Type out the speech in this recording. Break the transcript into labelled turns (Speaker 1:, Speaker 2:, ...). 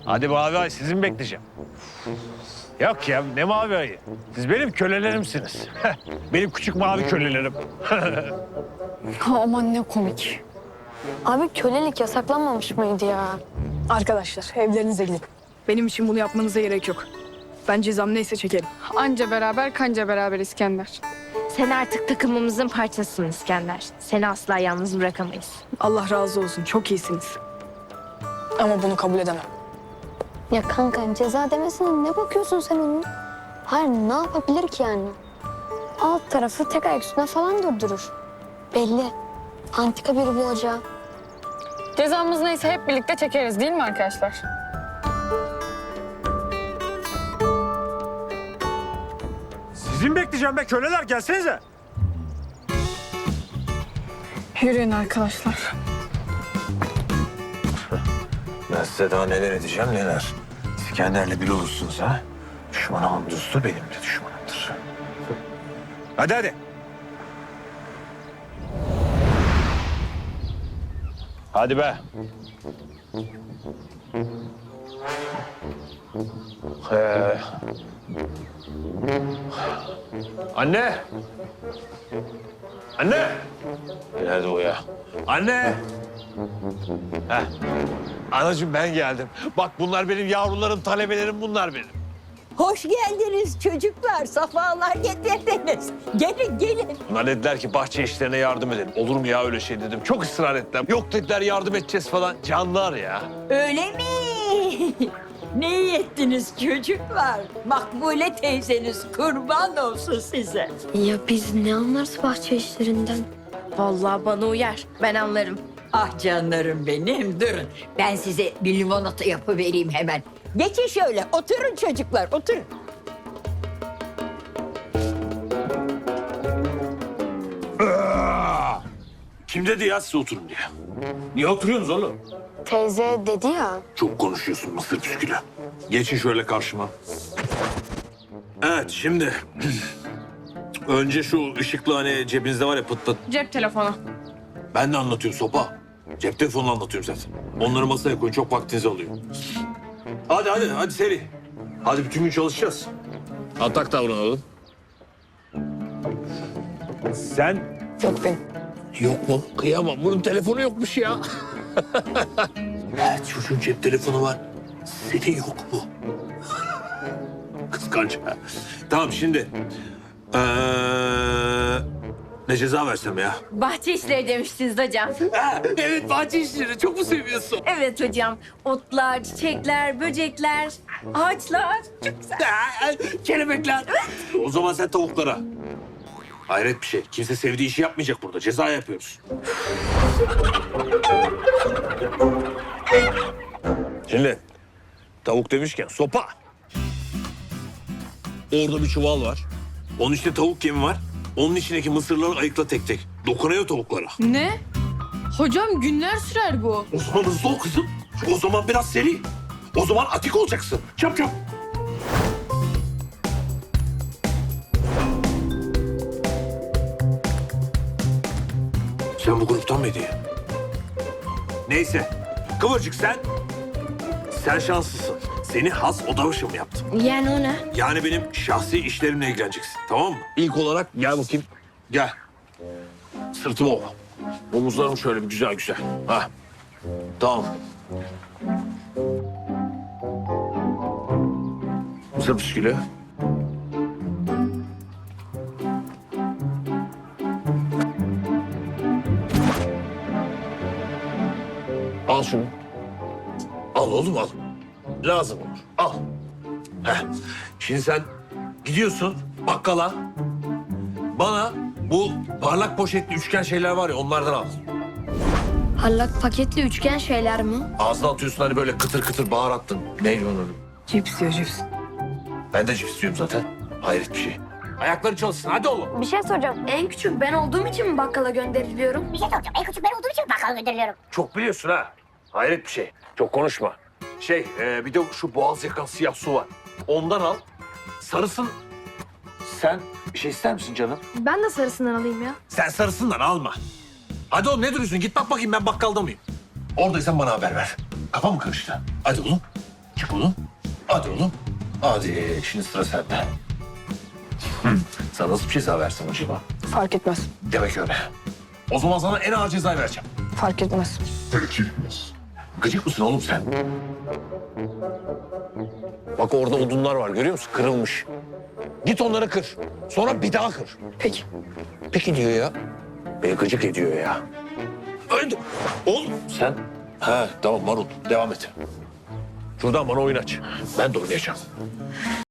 Speaker 1: Hadi Mavi Ay, sizi mi bekleyeceğim? Yok ya, ne Mavi Ay'ı? Siz benim kölelerimsiniz. Benim küçük mavi kölelerim.
Speaker 2: Aman ne komik.
Speaker 3: Abi kölelik yasaklanmamış mıydı ya?
Speaker 2: Arkadaşlar evlerinize gidin. Benim için bunu yapmanıza gerek yok. Ben cezam neyse çekerim.
Speaker 4: Anca beraber kanca beraber İskender.
Speaker 5: Sen artık takımımızın parçasısın İskender. Seni asla yalnız bırakamayız.
Speaker 2: Allah razı olsun, çok iyisiniz. Ama bunu kabul edemem.
Speaker 3: Ya kanka ceza demesine ne bakıyorsun sen onun? Hayır ne yapabilir ki yani? Alt tarafı tek ayak üstüne falan durdurur. Belli. Antika biri bu hoca.
Speaker 4: Cezamız neyse hep birlikte çekeriz değil mi arkadaşlar?
Speaker 1: Sizi mi bekleyeceğim be köleler? Gelsenize.
Speaker 4: Yürüyün arkadaşlar.
Speaker 1: Ben size daha neler edeceğim neler. İskender'le bir olursunuz ha. Düşmanımın dostu benim de düşmanımdır. Hadi hadi. Hadi be. Anne. Anne. Nerede o ya? Anne. Heh. Anacığım ben geldim. Bak bunlar benim yavrularım, talebelerim bunlar benim.
Speaker 6: Hoş geldiniz çocuklar, safalar getirdiniz. Gelin, gelin.
Speaker 1: Bunlar dediler ki bahçe işlerine yardım edelim. Olur mu ya öyle şey dedim. Çok ısrar ettiler. Yok dediler yardım edeceğiz falan. Canlar ya.
Speaker 6: Öyle mi? Ne iyi ettiniz çocuklar? Makbule teyzeniz kurban olsun size.
Speaker 3: Ya biz ne anlarız bahçe işlerinden?
Speaker 5: Vallahi bana uyar. Ben anlarım.
Speaker 6: Ah canlarım benim, durun. Ben size bir limonata yapıvereyim hemen. Geçin şöyle, oturun çocuklar, oturun.
Speaker 1: Kim dedi ya size oturun diye? Niye oturuyorsunuz oğlum?
Speaker 3: Teyze dedi ya.
Speaker 1: Çok konuşuyorsun mısır püskülü. Geçin şöyle karşıma. Evet şimdi... Önce şu ışıklı hani cebinizde var ya pıt pıt.
Speaker 4: Cep telefonu.
Speaker 1: Ben de anlatıyorum sopa. Cep telefonunu anlatıyorum zaten. Onları masaya koyun çok vaktinizi alıyor. Hadi seri. Hadi bütün gün çalışacağız. Atak davranalım. Sen...
Speaker 2: Yok benim.
Speaker 1: Yok mu? Kıyamam. Bunun telefonu yokmuş ya. Evet çocuğun cep telefonu var. Senin yok mu? Kıskanç ha. Tamam şimdi... ne ceza versem ya?
Speaker 5: Bahçe işleri demiştiniz hocam.
Speaker 1: Ha, evet bahçe işleri. Çok mu seviyorsun?
Speaker 5: Evet hocam. Otlar, çiçekler, böcekler, ağaçlar. Çok güzel.
Speaker 1: Ha, kelebekler. O zaman sen tavuklara. Hayret bir şey. Kimse sevdiği işi yapmayacak burada. Ceza yapıyoruz. Şimdi tavuk demişken sopa. Orada bir çuval var. Onun içinde tavuk yemi var. Onun içindeki mısırları ayıkla tek tek. Dokunuyor tavuklara.
Speaker 4: Ne? Hocam günler sürer bu.
Speaker 1: O zaman hızlı ol kızım. O zaman biraz seri. O zaman atik olacaksın. Çap çap. Sen bu gruptan mıydın ya? Neyse. Kıvırcık sen. Sen şanslısın. Seni has oda başımı yaptım.
Speaker 5: Yani o ne?
Speaker 1: Yani benim şahsi işlerimle ilgileneceksin. Tamam mı? İlk olarak gel bakayım. Gel. Sırtıma ol. Omuzlarım şöyle bir güzel güzel. Ha. Tamam. Mısır püskülü. Al şunu. Al oğlum al. Lazım olur. Al. Heh. Şimdi sen gidiyorsun bakkala. Bana bu parlak poşetli üçgen şeyler var ya onlardan al.
Speaker 3: Parlak paketli üçgen şeyler mi?
Speaker 1: Ağzına atıyorsun hani böyle kıtır kıtır baharattın. Neydi onun adı?
Speaker 2: Cips diyor cips.
Speaker 1: Ben de cips istiyorum zaten. Hayret bir şey. Ayakları çalışsın hadi oğlum.
Speaker 3: Bir şey soracağım. En küçük ben olduğum için mi bakkala gönderiliyorum?
Speaker 7: Bir şey soracağım. En küçük ben olduğum için bakkala gönderiliyorum.
Speaker 1: Çok biliyorsun ha. Hayret bir şey. Çok konuşma. Bir de şu boğaz yakan siyah su var. Ondan al. Sarısın. Sen bir şey ister misin canım?
Speaker 3: Ben de sarısından alayım ya.
Speaker 1: Sen sarısından alma. Hadi oğlum ne duruyorsun? Git bak bakayım ben bakkalda mıyım? Oradaysan bana haber ver. Kafa mı karıştı? Hadi oğlum. Çık oğlum. Hadi oğlum. Hadi şimdi sıra sende. Sana nasıl bir ceza versem acaba?
Speaker 2: Fark etmez.
Speaker 1: Demek öyle. O zaman sana en ağır cezayı vereceğim.
Speaker 2: Fark etmez.
Speaker 1: Gıcık mısın oğlum sen? Bak orada odunlar var görüyor musun? Kırılmış. Git onları kır. Sonra bir daha kır.
Speaker 2: Peki.
Speaker 1: Peki diyor ya. Beni gıcık ediyor ya. Öldü. Oğlum sen? Ha tamam Marul devam et. Şuradan bana oyun aç. Ben de oynayacağım.